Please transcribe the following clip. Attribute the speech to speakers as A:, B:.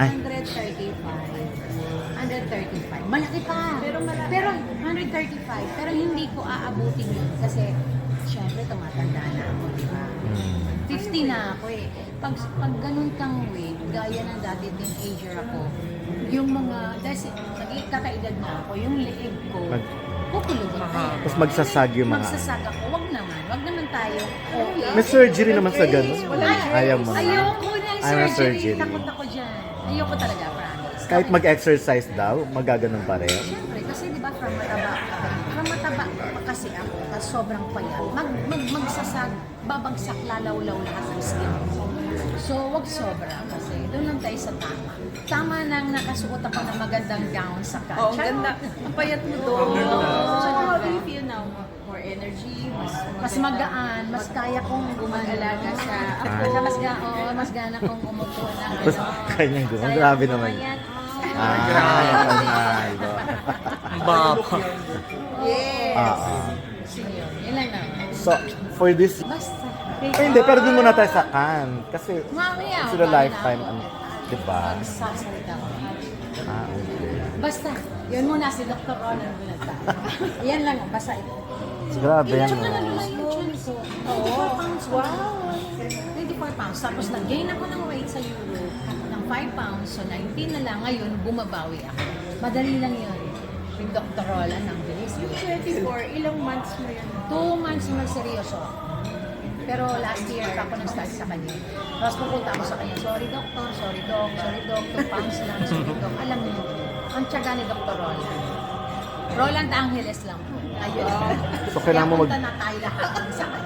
A: Ay.
B: 135. Malaki pa. Pero 135. Pero hindi ko aabutin yun kasi syempre tumatanda na ako, di ba? 50 na ako eh. Pag ganun kang weight, gaya ng dati teenager ako, yung mga, dahil kakaedad na ako, yung leeg ko, kukulubot na.
A: Tapos magsasag yung mga...
B: Magsasag ako, wag naman tayo. Okay.
A: May surgery naman sa ganun. Ayaw mo.
B: Ayoko na yung
A: Ayaw
B: surgery.
A: surgery.
B: Takot ako dyan. Ayoko talaga, promise.
A: Kahit mag-exercise daw, magaganon pa rin.
B: Siyempre, kasi di ba from mataba pa kasi ako, tapos sobrang payat, magsasag, babagsak, lalawlaw lahat ng skin. So, wag sobra kasi doon lang tayo sa tama. Tama nang nakasuot ako ng magandang gown sa kanya.
C: Oo, ang ganda. Ang payat mo doon. So, how do you feel now? More energy?
B: Mas magaan, mas kaya kong gumagalaga sa ako, mas gana kong umupo ng
A: Tapos kanyang gumagano. Grabe naman.
D: Baba.
C: Yes.
B: Yun lang naman.
A: So, for this...
B: Basta.
A: Hindi, pero dun muna tayo sa Cannes. Kasi
B: Mamaya.
A: sila lifetime, diba?
B: Magsasalita ko.
A: Okay.
B: Basta, yun muna si Dr. Ronan muna tayo. Yan lang, basta ito.
A: Grabe yan.
B: Tsaka nalula yung chan ko. 24 pounds. Wow! 24 pounds. Tapos nag-gain ako ng weight sa Europe ng 5 pounds. So 19 na lang. Ngayon, bumabawi ako. Madali lang yun. Yung Dr. Roland, ang bilis.
C: Yung 24, ilang months mo yun?
B: 2 months na seryoso. Pero last year pa ako nag-start sa kanya. Tapos pupunta ako sa kanya, sorry doctor, 2 pounds lang, sorry doc. Alam niyo, ang tiyaga ni Dr. Roland. Roland Angeles lang po. Ayun.
A: So, kailangan mo
B: Kaya punta na tayo lahat sa kanya.